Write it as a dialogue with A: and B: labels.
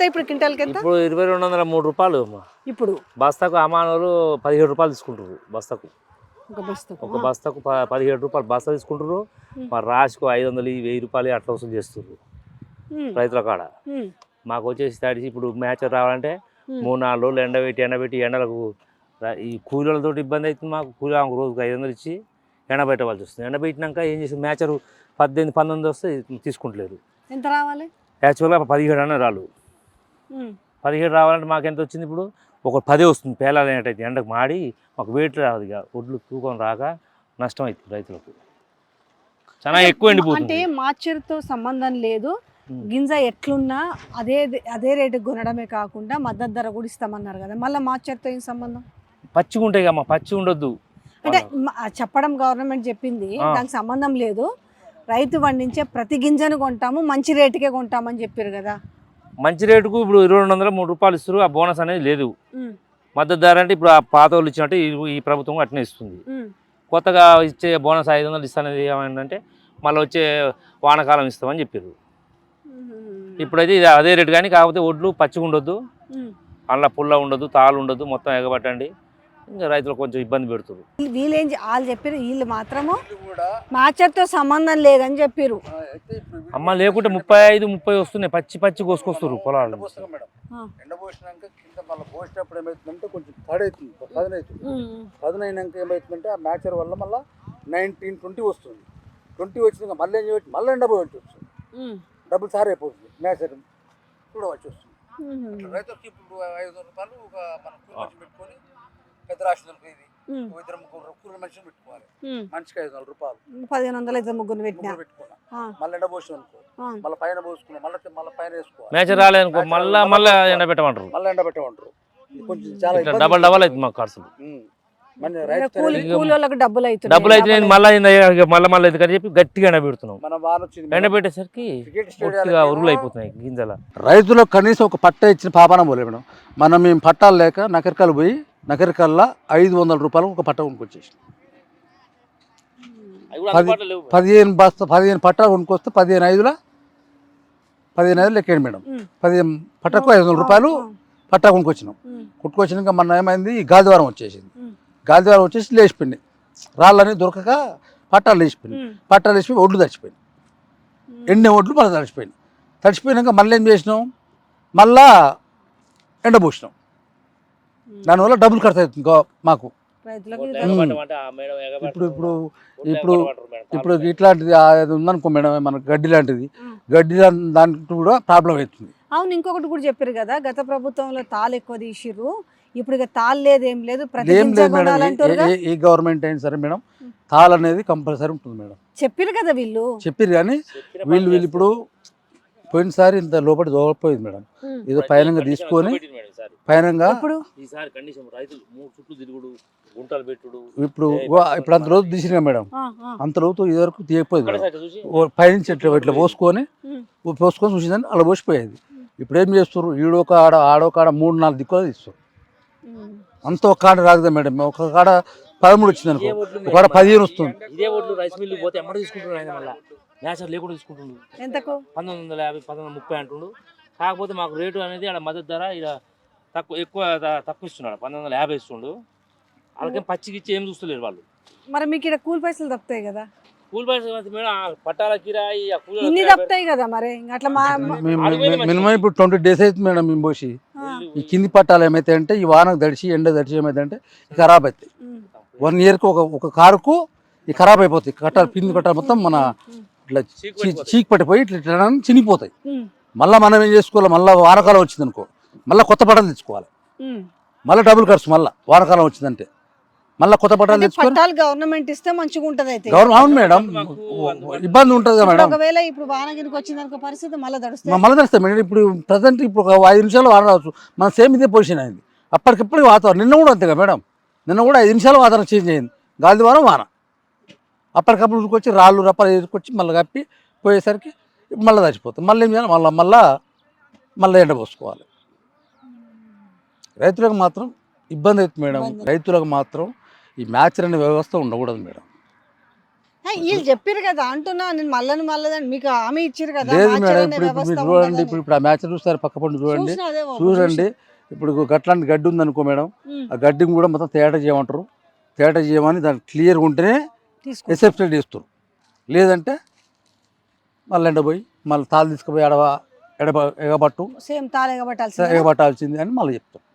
A: ఇప్పుడు క్వింటాల్కి ఎంత?
B: ఇప్పుడు 2203 రూపాయలు అమ్మా.
A: ఇప్పుడు
B: బస్తాకు అమానోళ్ళు 17 రూపాయలు తీసుకుంటారు బస్తాకు.
A: ఒక
B: బస్తాకు 17 రూపాయలు బస్తా తీసుకుంటారు. మరి రాసుకు 500 1000 రూపాయలు అట్లా వసూలు చేస్తారు రైతుల కాడ. మాకు వచ్చేసి తడిసి ఇప్పుడు మ్యాచ్ రావాలంటే 3-4 రోజులు ఎండబెట్టి ఎండలకు ఈ కూలీలతో ఇబ్బంది అవుతుంది మాకు. కూలీ రోజుకు 500 ఇచ్చి ఎండబెట్టవలసి వస్తుంది. ఎండబెట్టినాక ఏం చేస్తుంది మ్యాచరు 18-19 వస్తే తీసుకుంటలేరు.
A: ఎంత రావాలి?
B: యాక్చువల్గా 17 అన్న రాళ్ళు. 17 రావాలంటే మాకు ఎంత వచ్చింది ఇప్పుడు? ఒక 10 వస్తుంది పేలాలు అనేటైతే ఎండకు మాడి మాకు వెయిట్ రాదు. ఇక ఒడ్లు తూకం రాక నష్టం అవుతుంది రైతులకు. చాలా ఎక్కువ ఎండిపోతుంది.
A: అంటే మార్చర్తో సంబంధం లేదు, గింజ ఎట్లున్నా అదే రేటుకి కొనడమే కాకుండా మద్దతు ధర కూడా ఇస్తామన్నారు కదా, మళ్ళీ మార్చర్తో ఏం సంబంధం?
B: పచ్చిగా ఉంటాయి కమ్మా, పచ్చి ఉండొద్దు
A: అంటే చెప్పడం గవర్నమెంట్ చెప్పింది, దానికి సంబంధం లేదు. రైతు పండించే ప్రతి గింజను కొంటాము, మంచి రేటుకే కొంటామని చెప్పారు కదా.
B: మంచి రేటుకు ఇప్పుడు 2203 రూపాయలు ఇస్తారు. ఆ బోనస్ అనేది లేదు. మద్దతు ధర అంటే ఇప్పుడు ఆ పాత వాళ్ళు ఇచ్చినట్టు ఈ ప్రభుత్వం అట్నే ఇస్తుంది. కొత్తగా ఇచ్చే బోనస్ 500 ఇస్తానది ఏమైందంటే మళ్ళీ వచ్చే వానకాలం ఇస్తామని చెప్పారు. ఇప్పుడైతే ఇది అదే రేటు కానీ కాకపోతే ఒడ్లు పచ్చిగా ఉండొద్దు, అందులో పుల్ల ఉండదు, తాళ్ళు ఉండదు, మొత్తం ఎగబట్టండి. ఇంకా రైతులు కొంచెం ఇబ్బంది పెడుతున్నారు.
A: వాళ్ళు చెప్పారు, వీళ్ళు మాత్రము మార్చర్తో సంబంధం లేదని చెప్పారు.
B: అమ్మ లేకుంటే 35-30 వస్తున్నాయి, పచ్చి కోసుకొస్తారు పొలాలు.
C: ఎండబోసినాక కింద మళ్ళీ పోసినప్పుడు ఏమవుతుందంటే కొంచెం తడవుతుంది, పదునైనాక ఏమవుతుందంటే ఆ మ్యాచర్ వల్ల మళ్ళీ 19-20 వస్తుంది. 20 వచ్చినాక మళ్ళీ ఏం చేయవచ్చు, మళ్ళీ ఎండబోయవచ్చు వస్తుంది, డబ్బులు సార్ అయిపోతుంది, మ్యాచర్ కూడా వచ్చి వస్తుంది. రైతులకి ఇప్పుడు 500 రూపాయలు ఒక మనం కూలి పెట్టుకొని పెద్ద రాష్ట్రాలకు ఇది 2-3 కూలి మనుషులు పెట్టుకోవాలి, మనిషికి 500 రూపాయలు,
A: 1500 అయితే ముగ్గురు పెట్టుకున్నా,
C: మళ్ళీ ఎండబోసి అనుకో, మళ్ళీ పైన పోసుకున్నాం, మళ్ళీ పైన వేసుకోవాలి.
B: మ్యాచర్ రాలేదనుకో మళ్ళీ ఎండబెట్టమంటారు,
C: కొంచెం చాలా
B: డబల్ అవుతుంది మాకు ఖర్చులు.
A: డబ్బులు అయితే
B: మళ్ళీ అయితే కానీ చెప్పి గట్టిగా ఎండబెడుతున్నాం. ఎండబెట్టేసరికి ఉరుగులు అయిపోతున్నాయి గింజల.
C: రైతులకు కనీసం ఒక పట్ట ఇచ్చిన పాపాన పోలే మేడం. మేము పట్టాలు లేక నకరికల్ పోయి నకరికల్లా 500 రూపాయలు ఒక పట్ట కొనుక్కొచ్చేసి 15 పట్టాలు కొనుక్కొస్తే 15 లెక్కండి మేడం. 15 పట్టకు 500 రూపాయలు పట్టా కొనుక్కొచ్చినాక మొన్న ఏమైంది, గాదివారం వచ్చేసి లేచిపోయింది, రాళ్ళని దొరకక పట్టాలు లేచిపోయి ఒడ్లు తడిచిపోయింది, ఎండిన ఒడ్లు మళ్ళీ తడిచిపోయినాక మళ్ళీ ఏం చేసినాం, మళ్ళా ఎండబోసినాం. దానివల్ల డబ్బులు ఖర్చు అవుతుంది మాకు. ఇప్పుడు ఇట్లాంటిది ఉందనుకో మేడం, మనకు గడ్డి లాంటిది దానికి కూడా ప్రాబ్లం అవుతుంది.
A: అవును, ఇంకొకటి కూడా చెప్పారు కదా, గత ప్రభుత్వంలో తాళ్ళు ఎక్కువ తీసిర్రు, ఇప్పుడు ఇక తాళ్ళు లేదు, ఏం లేదు,
C: ఈ గవర్నమెంట్ అయినా సరే మేడం తాళ్ళు అనేది కంపల్సరీ ఉంటుంది మేడం.
A: చెప్పారు కదా వీళ్ళు,
C: కానీ వీళ్ళు ఇప్పుడు పోయినసారి ఇంత లోపలి దోగపోయింది మేడం, ఏదో పైనంగా తీసుకొని ఇప్పుడు అంత రోజు తీసినా మేడం, అంత రోజు ఇది వరకు తీయకపోయేది. పైనుంచి ఇట్లా పోసుకొని చూసిందని అలా పోసిపోయేది. ఇప్పుడు ఏం చేస్తారు, ఈడొక ఆడో కాడ 3-4 దిక్కులు తీస్తారు. అంత ఒక కాడ రాదు కదా మేడం, ఒక కాడ 13 వచ్చింది అనుకో, ఒక కాడ 15 వస్తుంది.
B: లేకుండా తీసుకుంటుండు 1950-1930 అంటుండు. కాకపోతే మాకు రేటు అనేది ఆడ మద్దతు ధర ఇక్కడ తక్కువ ఇస్తున్నాడు, 1950 ఇస్తుండు. వాళ్ళకేం పచ్చికిచ్చి ఏం చూస్తలేరు వాళ్ళు.
A: మరి మీకు ఇక్కడ కూలి పైసలు తప్పుతాయి కదా,
B: కూలి పైసలు మేడం పట్టాల కిరాయి
A: తప్పుతాయి కదా. మరి అట్లా
C: మినిమం ఇప్పుడు 20 days అవుతుంది మేడం మేము పోసి. ఈ కింది పట్టాలు ఏమైతే అంటే ఈ వానకు ఎండ దడిచి ఏమైతే అంటే ఖరాబ్ అవుతాయి. 1 yearకి ఒక కారుకు ఈ ఖరాబ్ అయిపోతాయి కట్టాలు, పిండి కట్టాలు మొత్తం మన ఇట్లా చీకి పట్టిపోయి ఇట్లా చినిగిపోతాయి. మళ్ళీ మనం ఏం చేసుకోవాలి, మళ్ళీ వానకాలం వచ్చింది అనుకో మళ్ళీ కొత్త పట్టాలు తెచ్చుకోవాలి, మళ్ళీ డబుల్ ఖర్చు. మళ్ళీ వానకాలం వచ్చిందంటే మళ్ళీ కొత్త పట్టాలు తెచ్చుకోవాలి.
A: గవర్నమెంట్ ఇస్తే మంచిగా ఉంటుంది. అయితే
C: అవును మేడం, ఇబ్బంది ఉంటుంది కదా మేడం.
A: ఒకవేళ ఇప్పుడు వానగిరికి వచ్చిందనుకో పరిస్థితి మళ్ళీ తడుస్తాయి
C: మేడం. ఇప్పుడు ప్రజెంట్ ఇప్పుడు ఒక 5 నిమిషాలు వాన రావచ్చు, మన సేమ్ ఇదే పొజిషన్ అయింది. అప్పటికిప్పుడు వాతావరణం నిన్న కూడా అంతేగా మేడం, నిన్న కూడా 5 నిమిషాలు వాతావరణం చేంజ్ అయింది, గాలి వారం వాన. అప్పటికప్పుడు ఉరికొచ్చి రాళ్ళు రప్పలు ఎదుర్కొచ్చి మళ్ళీ కప్పి పోయేసరికి మళ్ళీ చచ్చిపోతాం. మళ్ళీ ఏం చేయాలి, మళ్ళీ ఎండ పోసుకోవాలి. రైతులకు మాత్రం ఇబ్బంది అవుతుంది మేడం. రైతులకు మాత్రం ఈ మ్యాచర్ అనే వ్యవస్థ ఉండకూడదు మేడం.
A: వీళ్ళు చెప్పారు కదా అంటున్నా, నేను మళ్ళీ మీకు హామీ ఇచ్చారు కదా
C: లేదు
A: మార్చర్
C: మేడం,
A: అనే
C: ఇప్పుడు
A: వ్యవస్థ
C: మీరు చూడండి,
A: ఉంటుందని.
C: ఇప్పుడు ఆ మ్యాచ్ చూస్తారు, పక్క పండు చూడండి,
A: చూసినా అదే బాబు,
C: చూడండి. ఇప్పుడు గట్లాంటి గడ్డి ఉంది అనుకో మేడం,
A: ఉమ్.
C: ఆ గడ్డిని కూడా మొత్తం తేట చేయమంటారు. తేట చేయమని దాన్ని క్లియర్గా ఉంటేనే
A: తీసుకో.
C: ఎసెప్టెడ్ చేస్తారు. లేదంటే మళ్ళీ ఎండపోయి మళ్ళీ తాళ్ళు తీసుకుపోయి ఎగబట్టు
A: సేమ్ తాళ ఎగబట్టాల్సిందే
C: ఎగబట్టాల్సింది అని మళ్ళీ చెప్తారు.